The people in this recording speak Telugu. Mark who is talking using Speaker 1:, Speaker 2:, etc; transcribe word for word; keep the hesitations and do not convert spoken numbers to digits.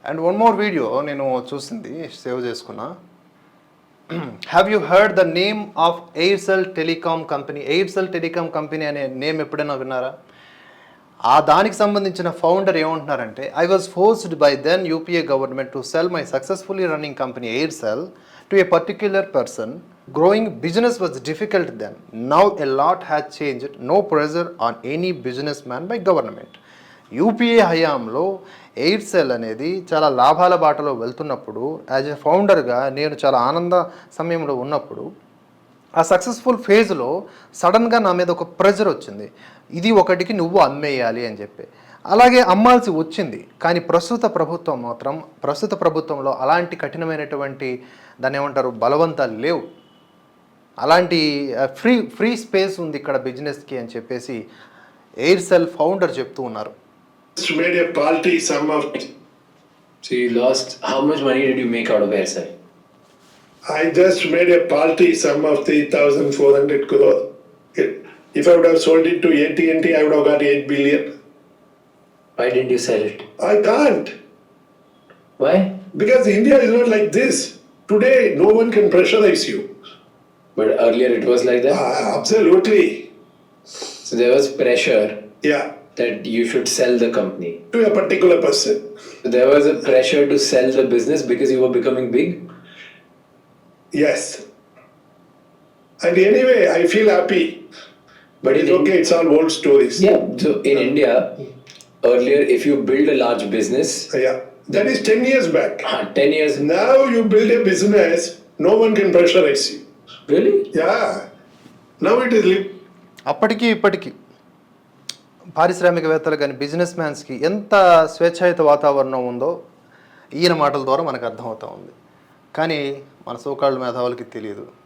Speaker 1: అండ్ వన్ మోర్ వీడియో నేను చూసింది, సేవ్ చేసుకున్నా. Have you heard the name of Aircel telecom company? Aircel telecom company అనే నేమ్ ఎప్పుడైనా విన్నారా? ఆ దానికి సంబంధించిన ఫౌండర్ ఏమంటున్నారంటే, I was forced by then UPA government to sell my successfully running company Aircel to a particular person. Growing business was difficult then. Now a lot has changed. No pressure on any business by government. UPA హయాంలో ఎయిర్సెల్ అనేది చాలా లాభాల బాటలో వెళ్తున్నప్పుడు, యాజ్ ఎ ఫౌండర్గా నేను చాలా ఆనంద సమయంలో ఉన్నప్పుడు, ఆ సక్సెస్ఫుల్ ఫేజ్లో సడన్గా నా మీద ఒక ప్రెజర్ వచ్చింది, ఇది ఒకటికి నువ్వు అమ్మేయాలి అని చెప్పి. అలాగే అమ్మాల్సి వచ్చింది. కానీ ప్రస్తుత ప్రభుత్వం మాత్రం, ప్రస్తుత ప్రభుత్వంలో అలాంటి కఠినమైనటువంటి దాన్ని ఏమంటారు బలవంతాలు లేవు. అలాంటి ఫ్రీ ఫ్రీ స్పేస్ ఉంది ఇక్కడ బిజినెస్కి అని చెప్పేసి ఎయిర్సెల్ ఫౌండర్ చెప్తూ ఉన్నారు.
Speaker 2: Made a paltry sum of.
Speaker 3: So you lost. How much money did you make out of Aircel?
Speaker 2: I just made a paltry sum of three thousand four hundred crore. If I would have sold it to A T and T, I would have got eight billion.
Speaker 3: Why didn't you sell it?
Speaker 2: I can't.
Speaker 3: Why?
Speaker 2: Because India is not like this. Today, no one can pressurize you.
Speaker 3: But earlier it was like that?
Speaker 2: Ah, absolutely.
Speaker 3: So there was pressure
Speaker 2: Yeah.
Speaker 3: that you should sell the company.
Speaker 2: To a particular person.
Speaker 3: So there was a pressure to sell the business because you were becoming big?
Speaker 2: Yes. And anyway, I feel happy. But it's
Speaker 3: in
Speaker 2: okay, it's all old stories.
Speaker 3: Yeah. So in India, earlier if you build a large business,
Speaker 2: Yeah. That is ten years back.
Speaker 3: uh, ten years.
Speaker 2: Now you build a business, no one can pressurize you.
Speaker 3: Really?
Speaker 2: Yeah. Now it is. Li-
Speaker 1: అప్పటికి ఇప్పటికీ పారిశ్రామికవేత్తలు కానీ బిజినెస్ మ్యాన్స్కి ఎంత స్వేచ్ఛాయుత వాతావరణం ఉందో ఈయన మాటల ద్వారా మనకు అర్థమవుతూ ఉంది. కానీ మన సోకాళ్ళ మేధావులకి తెలియదు.